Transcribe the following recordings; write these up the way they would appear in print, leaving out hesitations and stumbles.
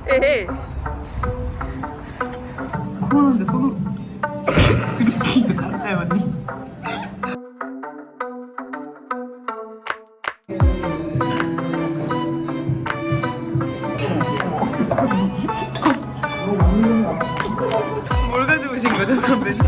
에헤이. 코로나인데 손으로. 이거 잘라요 언니. 뭘 가지고 오신 거죠, 선배님?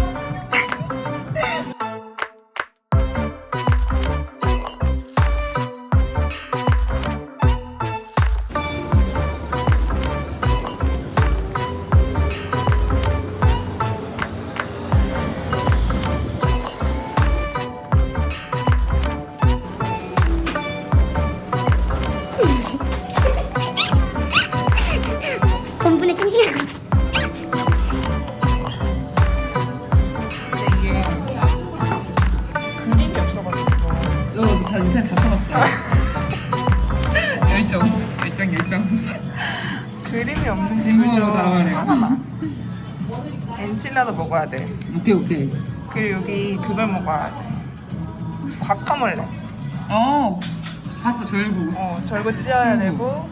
본분에 충실하고 있어. 이게 그림이 없어가지고. 다 인터넷 다 써봤어요. 열정. 그림이 없는데 이거 그죠? 나가네. 하나만. 엔칠라도 먹어야 돼. 오케이. 그리고 여기 그걸 먹어야 돼. 과카몰레. 봤어 절구. 절구 찌어야 되고.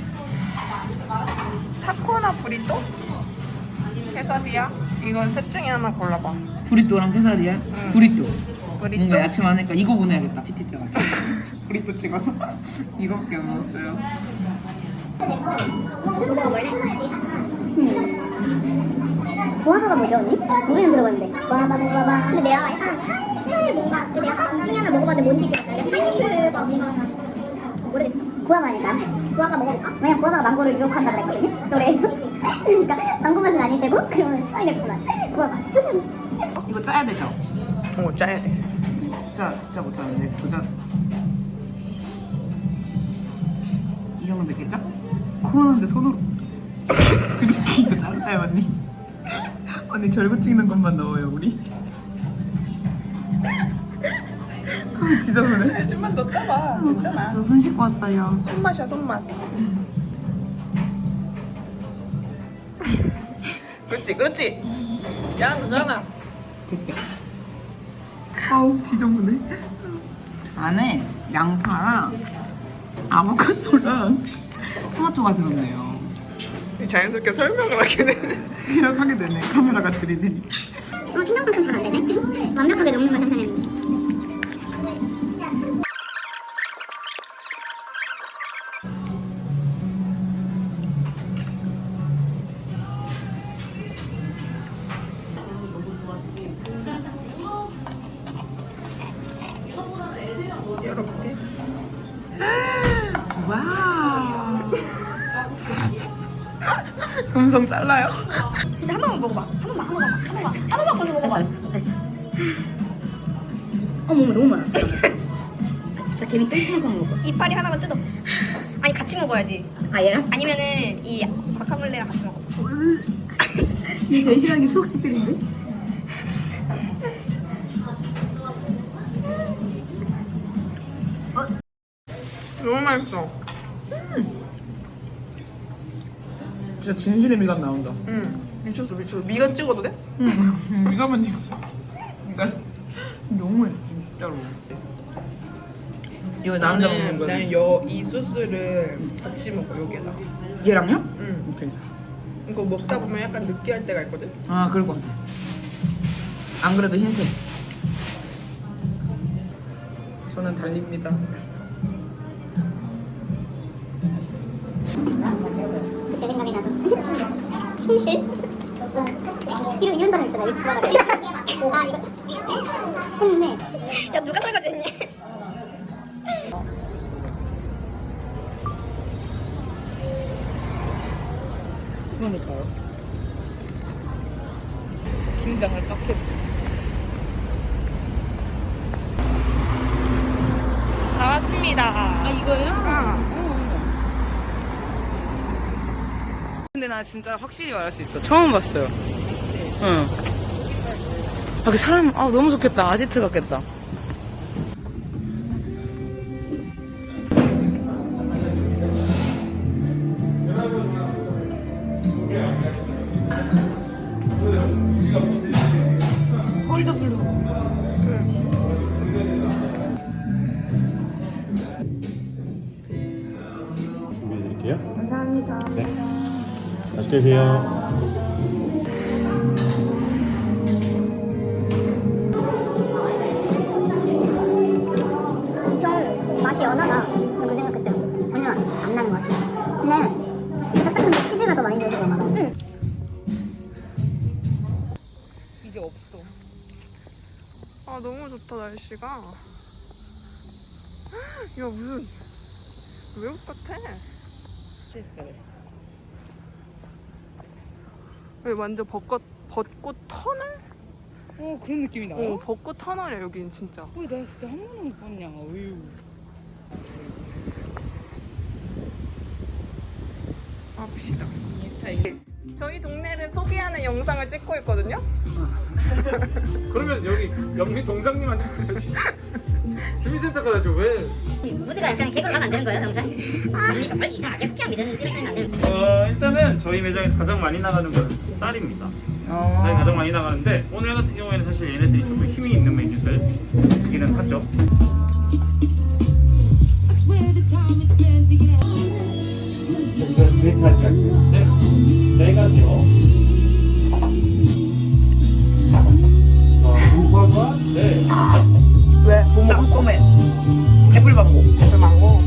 타코나 브리또? 케사디야? 이거 셋 중에 하나 골라봐. 브리또랑 케사디야? 응. 브리또. 브리또? 뭔가 야채 많으니까 이거 보내야겠다 PTC가. 브리또 찍어서. 이거밖에 안 먹었어요. 구아바가 뭐죠 언니? 노래는 들어봤는데 구아바 근데 내가 약간 향이 뭔가 근데 내가 이 중에 하나 먹어봤는데 뭔지 기억나. 향이 모르겠어. 구아바니까 구아바 먹어볼까? 왜냐면 구아바가 망고를 유혹한다 그랬거든요 노래에서. 그러니까 망고 맛은 아닐 테고 그러면 파인애플 맛. 구아바 이거 짜야 되죠? 짜야 돼. 진짜 못하는데 도전. 이 정도 맵겠죠? 코로나인데 손으로. 이거 잘라요 언니. 언니 절구 찍는 것만 넣어요 우리. 지저분해. 좀만 더 짜봐. 괜찮아. 저 손 씻고 왔어요. 손맛이야, 손맛. 그렇지. 잘한다. 됐죠? 아우 지저분해. 안에 양파랑 아보카도랑 토마토가 들었네요. 자연스럽게 설명을 하게 되네. 이렇게 되네. 카메라가 들이대니까. 생각만큼 잘 안 되네. 완벽하게 녹는 걸 상상했는데. 열어볼게. 와우. 음성 잘라요? 진짜 한 번만 먹어봐. 한 번만 벌써 먹어봐. 알았어. 어머 너무 많아. 진짜 개미 똥똥한 먹어. 이파리 하나만 뜯어. 아니 같이 먹어야지. 아 얘랑? 아니면은 이 과카몰레랑 같이 먹어. 이 제일 싫어하는 게 초록색들인데? 너무 맛있어. 진짜 진실의 미감 나온다. 미쳤어. 미간 찍어도 돼? 미감은 미감 너무 맛있어 진짜로. 이거 나 혼자 먹는 거야? 나는 이 소스를 같이 먹어, 여기에다. 얘랑요? 오케이. 이거 먹다 보면 약간 느끼할 때가 있거든? 아 그럴 것 같아. 안 그래도 흰색. 저는 달립니다. 그때 생각이 나서 충실? 이런 사람 있잖아 유튜브 하다가 아 이거 했는데 야 누가 설거지했니? 그러니까요. 긴장을 딱 해. 나왔습니다. 아 이거요? 아. 근데 나 진짜 확실히 말할 수 있어. 처음 봤어요. 응. 아, 그 사람, 너무 좋겠다. 아지트 같겠다. 홀더블루. 준비해드릴게요. 감사합니다. 네. 맛있게 드세요. 좀 맛이 연하다 그렇게 생각했어요. 전혀 안 나는 것 같아요. 근데 딱딱한데 치즈가 더 많이 들어서 그런가 봐요. 이제 없어. 아 너무 좋다 날씨가. 야 무슨 외국 같아. 됐어. 여기 완전 벚꽃 터널? 그런 느낌이 나요? 벚꽃 터널이야 여긴 진짜. 나 진짜 한 번도 못 봤냐. 어휴. 갑시다. 이 스타일. 저희 동네를 소개하는 영상을 찍고 있거든요. 그러면 여기 영희 동장님한테 가야지. 주민센터 가야죠. 왜? 무드가 약간 개그로 가면 안 되는 거예요, 영상? 아니 정말 이상하게 스키랑 이러면 안 되는 거예요. 일단은 저희 매장에서 가장 많이 나가는 건 쌀입니다. 쌀이 가장 많이 나가는데 오늘 같은 경우에는 사실 얘네들이 조금 힘이 있는 메뉴들이기는 하죠. 네, 네 가지요. 공파가 네. 왜? 뭐 먹고 소맨. 애플망고. 애플망고.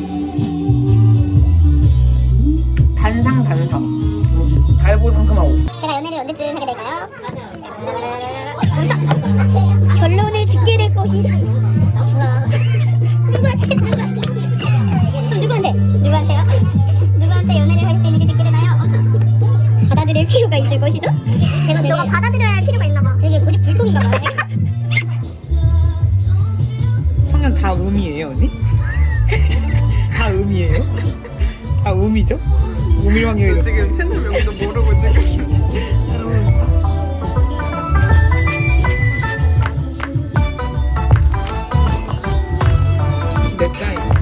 단상. 달고 상큼하고. 제가 연애를 언제쯤 하게 될까요? 맞아. 결론을 듣게 될 것이 누구한테요? 누구한테 연애를 할 때 이렇게 듣게 되나요? 받아들일 필요가 있을 것이죠? 너가 받아들여야 할 필요가 있나 봐. 되게 고집 불통인가 봐. 청년 다 음이에요, 언니? 다 음이에요? 다 음이죠? 음일왕이에요. 지금 채널 명도 모르고 지금. 내 사인.